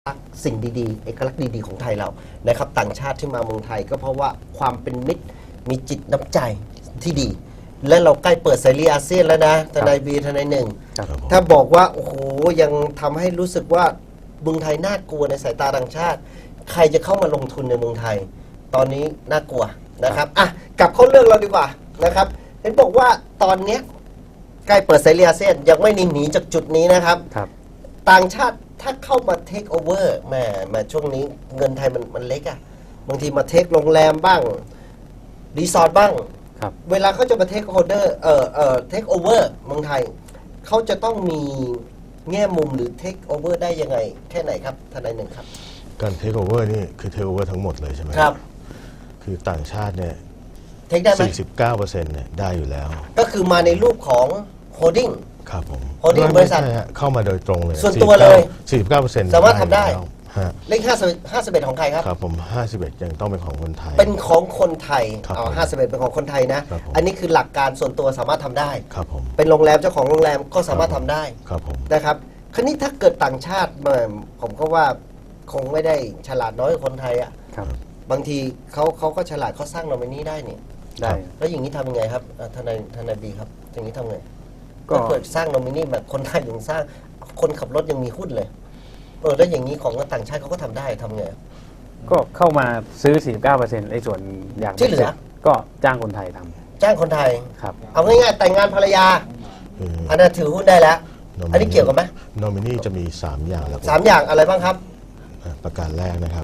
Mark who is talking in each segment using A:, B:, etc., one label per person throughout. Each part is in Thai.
A: สิ่งดีๆเอกลักษณ์ดีๆของไทยเรานะครับต่างชาติที่มาเมืองไทยก็เพราะว่าความเป็นมิตรมีจิตน้ำใจที่ดี และเราใกล้เปิดเสรีอาเซียนแล้วนะทนายบีทนายหนึ่งถ้าบอกว่าโอ้โหยังทำให้รู้สึกว่าเมืองไทยน่ากลัวในสายตาต่างชาติใครจะเข้ามาลงทุนในเมืองไทยตอนนี้น่ากลัวนะครับอ่ะกลับเข้าเรื่องเราดีกว่านะครับเห็นบอกว่าตอนนี้ใกล้เปิดเสรีอาเซียนยังไม่หนีจากจุดนี้นะครับต่างชาติถ้าเข้ามาเทคโอเวอร์แม่ช่วงนี้เงินไทยมันเล็กอะบางทีมาเทคโรงแรมบ้างรีสอร์ทบ้างเวลาเขาจะมาเทคโอเวอร์เทคโอเวอร์เมืองไทยเขาจะต้องมีแง่มุมหรือเทคโอเวอร์ได้ยังไงแค่ไหนครับทนายหนึ่งครับ
B: การเทคโอเวอร์นี่คือเทคโอเวอร์ทั้งหมดเลยใช่ไหม
A: ครับ
B: คือต่างชาติเนี่ย
A: เทคได้ไหม
B: 49%เนี่ยได้อยู่แล้ว
A: ก็คือมาในรูปของโฮลดิ้ง
B: ครับผม
A: โฮลดิ้งบริษัท
B: เข้ามาโดยตรงเลย
A: ส่วนตัวเลย
B: 49%
A: สามารถทำได้เลข51ของใครครับ
B: ครับผม51ยังต้องเป็นของคนไทย
A: เป็นของคนไทย51เป็นของคนไทยนะอันนี้คือหลักการส่วนตัวสามารถทำได้
B: ครับผม
A: เป็นโรงแรมเจ้าของโรงแรมก็สามารถทำได้
B: ครับผม
A: นะครับคราวนี้ถ้าเกิดต่างชาติมาผมก็ว่าคงไม่ได้ฉลาดน้อยกว่าคนไทยอ่ะบางทีเขาก็ฉลาดเขาสร้างโนมินีได้เนี่ย
B: ได้
A: แล้วอย่างนี้ทำยังไงครับทนายบีครับอย่างนี้ทำไงก็เกิดสร้างโนมินีแบบคนไทยยังสร้างคนขับรถยังมีหุ้นเลยแล้วอย่างนี้ของต่างชาติเขาก็ทำได้ทำไง
C: ก็เข้ามาซื้อ 49%ในส่วนอย่าง
A: ที่เหลือ
C: ก็จ้างคนไทยท
A: ำจ้างคนไทย
C: ครับ
A: เอาง่ายๆแต่งงานภรรยาอันนั้นถือหุ้นได้แล้วอันนี้เกี่ยวกันไหม
B: โนมินีจะมี3อย่างแล้ว
A: 3อย่างอะไรบ้างครับ
B: ประการแรกนะครับ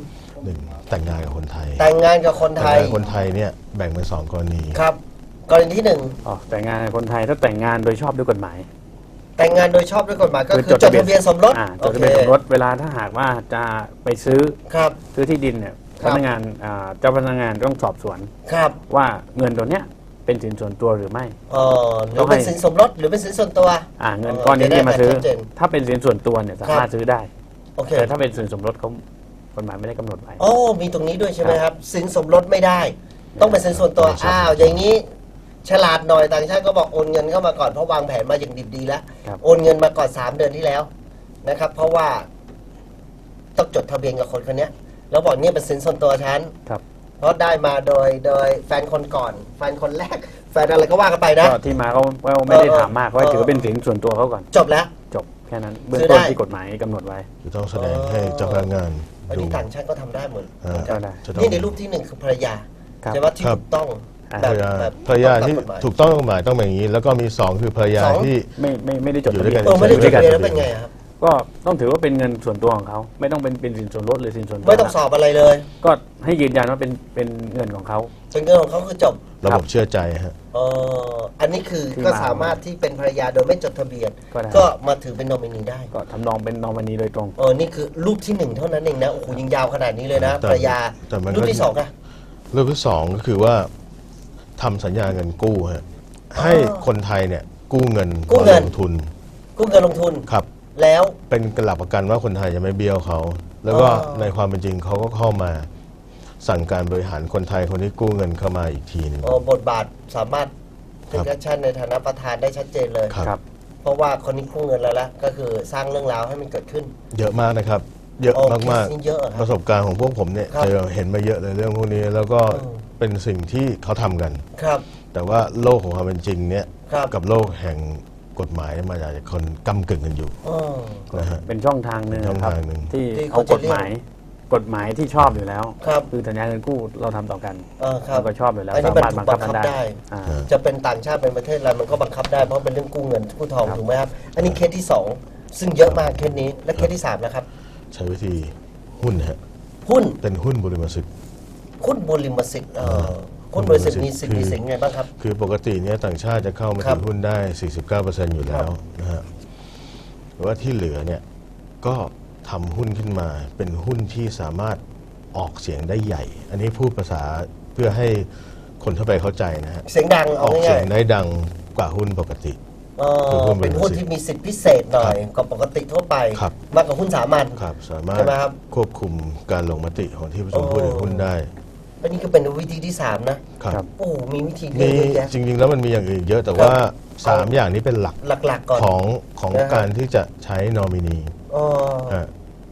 B: 1แต่งงานกับคนไทย
A: แต่งงานกับคนไทย
B: คนไทยเนี่ยแบ่งเป็น2กรณี
A: ครับกรณีที่
C: แต่งงานกับคนไทยถ้าแต่งงานโดยชอบด้วยกฎหมาย
A: แต่งงานโดยชอบด้วยกฎหมายก็คือจดทะเบียนสมรส
C: จดทะเบียนสมรสเวลาถ้าหากว่าจะไปซื้อที่ดินเนี่ยพนักงานเจ้าพนักงานต้องสอบสวนว่าเงินตัวเนี้ยเป็นสินส่วนตัวหรือไม่
A: หรือเป็นสินสมรสหรือเป็นสินส่วนตัว
C: เงินก้อนนี้ที่มาซื้อถ้าเป็นสินส่วนตัวเนี่ยสามารถซื้อได้แต่ถ้าเป็นสินสมรสเขากฎหมายไม่ได้กำหนดไว้
A: มีตรงนี้ด้วยใช่ไหมครับสินสมรสไม่ได้ต้องเป็นสินส่วนตัวอย่างนี้ฉลาดหน่อยต่างชาติก็บอกโอนเงินเข้ามาก่อนเพราะวางแผนมาอย่างดิบดีแล้วโอนเงินมาก่อน3 เดือนที่แล้วนะครับเพราะว่าต้องจดทะเบียนกับคนคนนี้แล้วบอกเนี่ยเป็นสินส่วนตัวฉันเพราะได้มาโดยแฟนคนก่อนแฟนคนแรกแฟนอะไรก็ว่ากันไปนะ
C: ที่มาเขาไม่ได้ถามมากเขาถือเป็นสินส่วนตัวเขาก่อน
A: จบแล้ว
C: จบแค่นั้นเบื้องต้นที่กฎหมายกำหนดไว้
B: ต้องแสดงให้เจ้าพนักงาน
A: ดูต่างชาติก็ทำได้หมดนี่ในรูปที่1คือภรรยาใช่ไหมที่ถูกต้อง
B: ภรรยาที่ถูกต้องกฎหมายต้องเป็นอย่างนี้แล้วก็มี2คือภรรยาที่
C: ไม่ได้จด
A: ทะเบียนไม่ได้จดทะเบียนแล้วเป็นไงครับ
C: ก็ต้องถือว่าเป็นเงินส่วนตัวของเขาไม่ต้องเป็นสินส่วนลดหรือสินส่วน
A: ไม่ต้องสอบอะไรเลย
C: ก็ให้ยืนยันว่าเป็นเงินของเขา
A: เป็นเงินของเขาคือจบ
B: ระบบเชื่อใจฮะ
A: อันนี้คือก็สามารถที่เป็นภรรยาโดยไม่จดทะเบียนก็มาถือเป็นนอมินีได้
C: ก็ทำนองเป็นนอมินีโดยตรง
A: นี่คือรูปที่1เท่านั้นเองนะโอ้โหยิงยาวขนาดนี้เลยนะภรรยารูปที่2อะ
B: รูปที่2ก็คือว่าทำสัญญาเงินกู้ฮะให้คนไทยเนี่ยกู้เงินลงทุนครับ
A: แล้ว
B: เป็นหลักประกันว่าคนไทยจะไม่เบี้ยวเขาแล้วก็ในความเป็นจริงเขาก็เข้ามาสั่งการบริหารคนไทยคนที่กู้เงินเข้ามาอีกทีนึง
A: บทบาทสามารถเป็นแอคชั่นในฐานะประธานได้ชัดเจนเลย
B: ครับ
A: เพราะว่าคนนี้กู้เงินแล้วก็คือสร้างเรื่องราวให้มันเกิดขึ้น
B: เยอะมากนะครับเยอะมากๆประสบการณ์ของพวกผมเนี่ยเห็นมาเยอะเลยเรื่องพวกนี้แล้วก็เป็นสิ่งที่เขาทำกันแต่ว่าโลกของความเป็นจริงเนี่ยกับโลกแห่งกฎหมายมาจากคนก้ำกึ่งกันอยู่
C: นะฮะเป็นช่องทางหนึ่งครับที่เอากฎหมายที่ชอบอยู่แล้วคือสัญญาเงินกู้เราทำต่อกันเราก็ชอบอยู่แล้ว
A: สามารถบังคับได้จะเป็นต่างชาติเป็นประเทศอะไรมันก็บังคับได้เพราะเป็นเรื่องกู้เงินกู้ทองถูกไหมครับอันนี้เคสที่2ซึ่งเยอะมากเคสนี้และเคสที่3นะครับ
B: ใช้วิธีหุ้นฮะ
A: หุ้น
B: เป็นหุ้นบริมสิทธิ์
A: หุ้นบริมสิทธิ์หุ้นบริษัทมีสิทธิ์ไงบ้างครับ
B: คือปกติเนี่ยต่างชาติจะเข้ามาถือหุ้นได้ 49% อยู่แล้วนะฮะแต่ว่าที่เหลือเนี่ยก็ทำหุ้นขึ้นมาเป็นหุ้นที่สามารถออกเสียงได้ใหญ่อันนี้พูดภาษาเพื่อให้คนทั่วไปเข้าใจนะฮะ
A: เสียงดัง
B: ออกเสียงได้ดังกว่าหุ้นปกติ
A: เป็นหุ้นที่มีสิทธิพิเศษหน่อยกว่าปกติทั่วไปมากกว่าหุ้นสามัญ
B: สามารถควบคุมการลงมติของที่ประชุมผู้ถือหุ้นได้
A: อันนี้ก็เป็นวิธีที่3นะครับโอ้มีวิธีเยอะแยะ
B: จริงๆแล้วมันมีอย่างอื่นเยอะแต่ว่า3อย่างนี้เป็นหลัก
A: ก่อน
B: ของการที่จะใช้นอมินี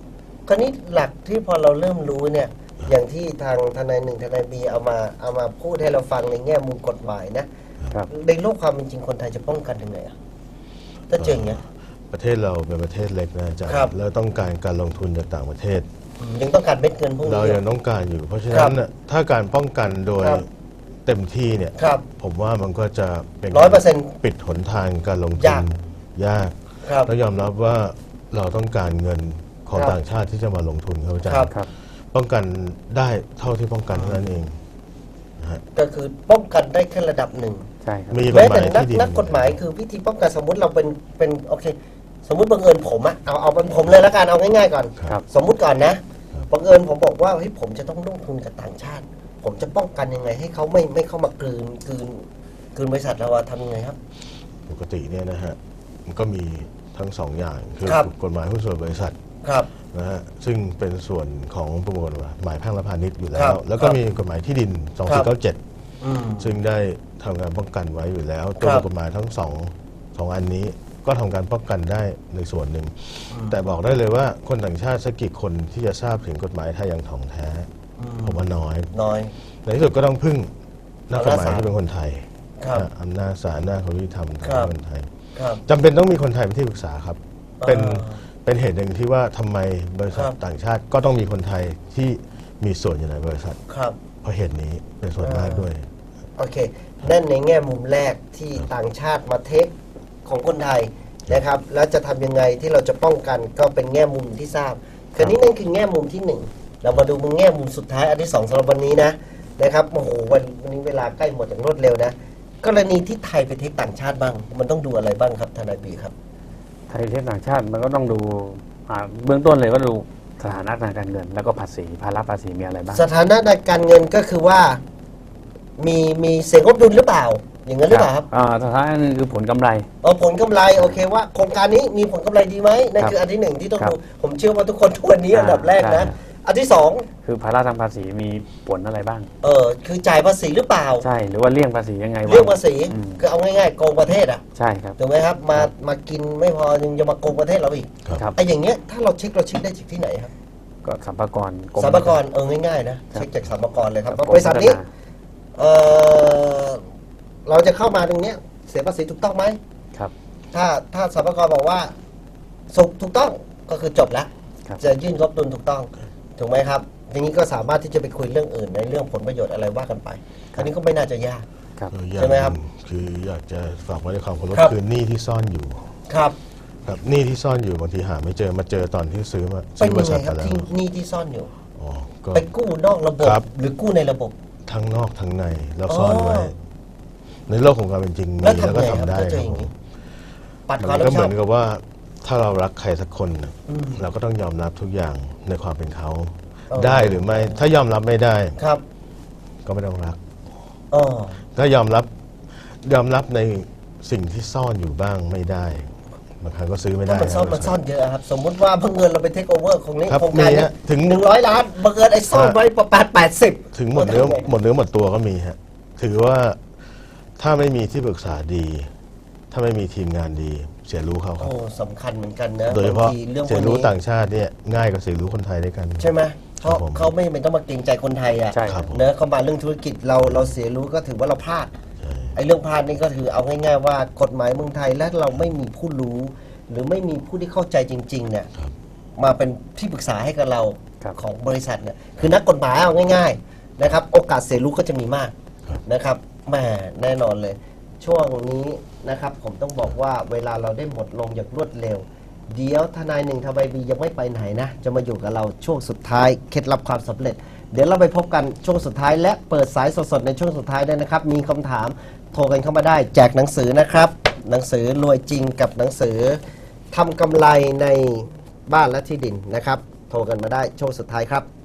A: คราวนี้หลักที่พอเราเริ่มรู้เนี่ย อย่างที่ทางทนายหนึ่งทนายบีเอามาพูดให้เราฟังในแง่มุมกฎหมายนะครับ ในโลกความเป็นจริงคนไทยจะป้องกันยังไงอะถ้าเจออย่างเงี้ย
B: ประเทศเราเป็นประเทศเล็กนะอาจารย์
A: ครับ
B: แล้วต้องการการลงทุนจากต่างประเทศ
A: ยังต้องการเม็ดเงินพวก
B: เรา
A: นี้
B: ยังต้องการอยู่ เพราะฉะ
A: ครั
B: นั้
A: บ
B: นน่ะถ้าการป้องกันโดย
A: ครับ
B: เต็มที่เนี่ย
A: ครับ
B: ผมว่ามันก็จะเป็น
A: 100%
B: ปิดหนทางการลงทุ
A: ยาน ก
B: ยาก
A: ครับ
B: แล้วยอมรับว่าเราต้องการเงินของ
A: ครับ
B: ต่างชาติที่จะมาลงทุนครับอาจาร
A: ครับ
B: ย์
C: ครับ
B: ป้องกันได้เท่าที่ป้องกันเท่านั้นเอง
A: ก็คือป้องกันได้แค่ระดับหนึ่ง
C: ใช่ครับ
B: มีกฎ
A: แม้
B: หมา
A: แต่
B: ย
A: นั
B: ที่ดี
A: นักกฎหมายคือวิธีป้องกันสมมุติเราเป็นโอเค สมมุติบังเอิญผมอะเอาเป็นผมเลยละกันเอาง่ายๆก่อน
C: ครับ
A: สมมุติก่อนนะบังเอิญผมบอกว่าเฮ้ยผมจะต้องลงทุนกับต่างชาติ ผมจะป้องกันยังไง ให้เขาไม่เข้ามากลืนบริษัทเราอะทำยังไงครับ
B: ปกติเนี่ยนะฮะมันก็มีทั้งสองอย่างคือ
A: ครับ
B: กฎหมายหุ้นส่วนบริษัท
A: ครับ
B: นะฮะซึ่งเป็นส่วนของประมวลกฎหมายแพ่งและพาณิชย์อยู่แล้
A: ครั
B: ว
A: บ
B: แล้วก็
A: ครับ
B: มีกฎหมายที่ดิน
A: ครับ
B: 2497
A: อืม
B: ซึ่งได้ทำการป้องกันไว้อยู่แล้ว
A: ค
B: ตัว
A: รับ
B: กฎหมายทั้งสองอันนี้ก็ทำการป้องกันได้ในส่วนหนึ่ง แต่บอกได้เลยว่าคนต่างชาติสักกี่คนที่จะทราบถึงกฎหมายไทยอย่างถ่องแท้ ผมว่าน้อย
A: น้อย
B: ในที่สุดก็ต้องพึ่งนักกฎหมาย
A: อำนาจศาล
B: ที่เป็นคนไทย
A: ครับ
B: นะอำนาจศาลหน้าจของยุติธรรมทาง
A: ครับ
B: คนไทย
A: ครับ
B: จำเป็นต้องมีคนไทยเป็นที่ปรึกษาครับ เป็น
A: อ่า
B: เป็นเหตุหนึ่งที่ว่าทำไมบริษัท
A: ครับ
B: ต่างชาติก็ต้องมีคนไทยที่มีส่วนอยู่ในบริษัท
A: ครับ
B: เพราะเหตุนี้เป็นส่วนมากด้วย
A: โอเค นั่นในแง่มุมแรกที่ต่างชาติมาเทคของคนไทยนะครับ แล้วจะทำยังไงที่เราจะป้องกันก็เป็นแง่มุมที่ทราบ คราวนี้นั่นคือแง่มุมที่หนึ่ง เรามาดูมุมแง่มุมสุดท้ายอันที่สองสำหรับวันนี้นะครับ โอ้โหวันนี้เวลาใกล้หมดอย่างรวดเร็วนะ กรณีที่ไทยไปเทคต่างชาติบ้าง มันต้องดูอะไรบ้างครับทนายบีครับ
C: ไทยเทศต่างชาติมันก็ต้องดูเบื้องต้นเลยก็ดูสถานะทางการเงิน แล้วก็ภาษีภาระภาษีมีอะไรบ้าง
A: สถานะในการเงินก็คือว่ามีเสียงงบดุลหรือเปล่า อย่างนั้นหรือเปล่าครับ
C: สถานะหนึงคือผลกำไร
A: ผลกำไรโอเคว่าโครงการนี้มีผลกำไรดีไหมนั่น
C: ครับ
A: คืออันที่หนึ่งที่ต้อง
C: ครับ
A: ดูผมเชื่อว่าทุกคนทุกวันนี้อันดับแรกนะ
C: ใช่
A: อันที่สอง
C: คือภาระทางภาษีมีผลอะไรบ้าง
A: คือจ่ายภาษีหรือเปล่า
C: ใช่หรือว่าเลี่ยงภาษียังไงวะ
A: เรื่องภาษี
C: อืม
A: คือเอาง่ายๆโกงประเทศอ่ะ
C: ใช่ครับ
A: ถูกไหมครับมากินไม่พอยังจะมาโกงประเทศเราอีก
C: ครับ
A: ไอ้อย่างเงี้ยถ้าเราเช็คได้จากที่ไหนครับ
C: ก็สัมภากรกรม
A: สรรพากรง่ายๆนะเช็คจากสรรพากรเลยครับ
C: กรม
A: บริษัทนี้
C: พัฒนา
A: เราจะเข้ามาตรงเนี้ยเสียภาษีถูกต้องไหม
C: ครับ
A: ถ้าสรรพากรบอกว่าถูกต้องก็คือจบแล้ว
C: ครับ
A: จะยื่นงบดุลถูกต้องถูกไหมครับทีนี้ก็สามารถที่จะไปคุยเรื่องอื่นในเรื่องผลประโยชน์อะไรว่ากันไปอันนี้ก็ไม่น่าจะยาก
C: ครับ
B: อย่าง
A: ใช่ไหมครับ
B: นึ่งคืออยากจะฝากไว้ในความเคารพ
A: ครับ
B: คือหนี้ที่ซ่อนอยู่
A: ครับ
B: ครับหนี้ที่ซ่อนอยู่บางทีหาไม่เจอมาเจอตอนที่ซื้อ
A: เป็น
B: บ
A: ยั
B: ริ
A: งไง
B: ษัท
A: ค
B: ไป
A: รับ
B: แล้ว
A: ที่หนี่ที่ซ่อนอยู่
B: อ๋อก็
A: ไปกู้นอกระบบ
B: ครับ
A: หรือกู้ในระบบ
B: ทั้งนอกทั้งในแล้วซ่อนไว้
A: อ๋อ
B: ในโลกของความเป็นจริงมี
A: แล้วทำ
B: แล้วก็
A: ไงครับ
B: ทำได้
A: ถ้าเจอ
B: ค
A: อ
B: รับ
A: ย่าง
B: ผ
A: นี้
B: ม
A: ปัดค
B: มั
A: วาม
B: น
A: รับ
B: ก็
A: ผิด
B: เห
A: ช
B: มื
A: อ
B: อบ นกับว่าถ้าเรารักใครสักคนน่ะ
A: อืม
B: เราก็ต้องยอมรับทุกอย่างในความเป็นเขา
A: อ๋อ
B: ได้หรือไม่ ถ้ายอมรับไม่ได้
A: ครับ
B: ก็ไม่ต้องรัก
A: อ๋อ
B: ถ้ายอมรับในสิ่งที่ซ่อนอยู่บ้างไม่ได้บางครั้งก็ซื้อไม่
A: ถ้า
B: ได้
A: มันซ่อน
B: ครับ
A: มันซ่อนเยอะครับ สมมุติว่าบังเอิญเราไปเทคโอเวอร์ของนี้
B: ครับ
A: โครงการ
B: มี
A: เนี้
B: ฮะถึง
A: 100 ล้านบังเอิญไอ้ซ่อนไว้80
B: ถึงหมดเนื้อหมดตัวก็มีฮะถือว่าถ้าไม่มีที่ปรึกษาดี ถ้าไม่มีทีมงานดี เสียรู้เขาครับ
A: โอ้สำคัญเหมือนกันนะ
B: โดยเฉพาะ
A: บางทีเรื่องพ
B: เสี
A: วย ก
B: รู้
A: นี้
B: ต่างชาติเนี่ยง่ายกว่าเสียรู้คนไทยด้วยกัน
A: ใช่ไหมเพราะ
B: ครับผม
A: เขาไม่จำเป็นต้องมาเกรงใจคนไทยอ่ะ
C: ใช่
B: ครับผม
A: เนอะเขามาเรื่องธุรกิจเราเสียรู้ก็ถือว่าเราพลาด
B: ใช่
A: ไอ้เรื่องพลาดนี่ก็ถือเอาง่ายๆว่ากฎหมายเมืองไทยและเราไม่มีผู้รู้ หรือไม่มีผู้ที่เข้าใจจริงๆเนี่ย
B: ครับ
A: มาเป็นที่ปรึกษาให้กับเรา
C: ครับ
A: ของบริษัทเนี่ยคือนักกฎหมายเอาง่ายๆนะครับโอกาสเสียรู้ก็จะมีมาก
B: ครับ
A: นะครับแหมแน่นอนเลย ช่วงนี้นะครับผมต้องบอกว่าเวลาเราได้หมดลงอย่างรวดเร็ว เดี๋ยวทนายหนึ่งทบายบียังไม่ไปไหนนะจะมาอยู่กับเราช่วงสุดท้ายเคล็ดลับความสำเร็จ เดี๋ยวเราไปพบกันช่วงสุดท้าย และเปิดสายสดๆในช่วงสุดท้ายด้วยนะครับมีคำถามโทรกันเข้ามาได้แจกหนังสือนะครับ หนังสือรวยจริงกับหนังสือทำกำไรในบ้านและที่ดินนะครับ โทรกันมาได้ช่วงสุดท้ายครับ